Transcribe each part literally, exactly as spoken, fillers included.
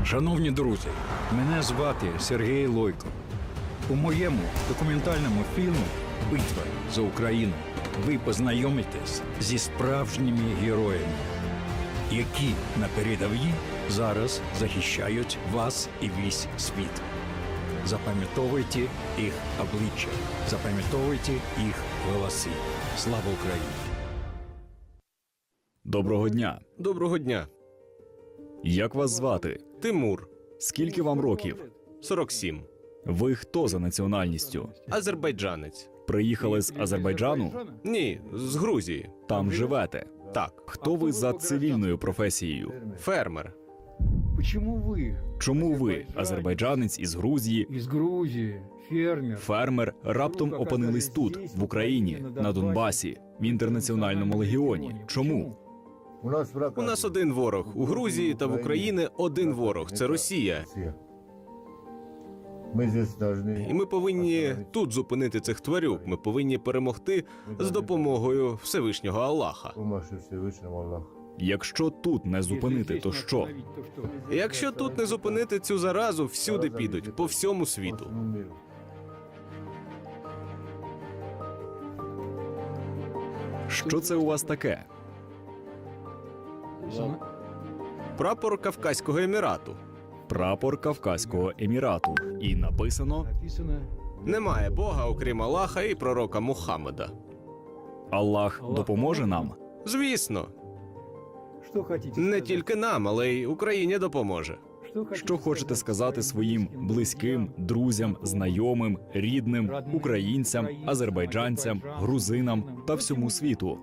Шановні друзі, мене звати Сергій Лойко. У моєму документальному фільмі «Битва за Україну» ви познайомитесь зі справжніми героями, які на передовій зараз захищають вас і весь світ. Запам'ятовуйте їх обличчя, запам'ятовуйте їх голоси. Слава Україні! Доброго дня. Доброго дня. Як вас звати? Тимур, Скільки вам років? сорок сім. Ви хто за національністю? Азербайджанець. Приїхали з Азербайджану? Ні, з Грузії. Там живете. Так. Хто ви за цивільною професією? Фермер. Почему вы, Чому ви, азербайджанець із Грузії, из Грузии, фермер, фермер, раптом опинились тут, в Україні, на Донбасі, в інтернаціональному легіоні? Чому? У нас один ворог. У Грузії та в Україні один ворог. Це Росія. І ми повинні тут зупинити цих тварюк. Ми повинні перемогти з допомогою Всевишнього Аллаха. Якщо тут не зупинити, то що? Якщо тут не зупинити цю заразу, всюди підуть, по всьому світу. Що це у вас таке? Прапор Кавказького Емірату. Прапор Кавказького Емірату. І написано написано, Немає Бога, окрім Аллаха і пророка Мухаммеда. «Аллах допоможе нам». Звісно, что хотите не сказать? тільки нам, але й Україні допоможе. Что хотите Що хочете сказати своїм близьким близьким, друзям, знайомим, рідним, українцям, азербайджанцям, грузинам та всьому світу?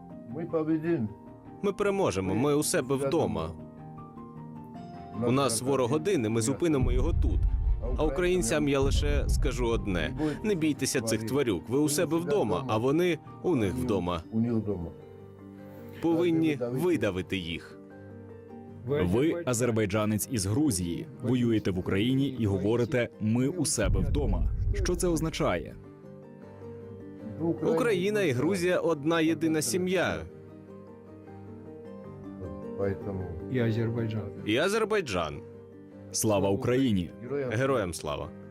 Ми переможемо, ми у себе вдома. У нас ворог один, і ми зупинимо його тут. А українцям я лише скажу одне: не бійтеся цих тварюк. Ви у себе вдома, а вони у них вдома. Повинні видавити їх. Ви, азербайджанець із Грузії, воюєте в Україні і говорите «ми у себе вдома». Що це означає? Україна і Грузія одна єдина сім'я. И Азербайджан. І Азербайджан. Слава Україні! Героям слава.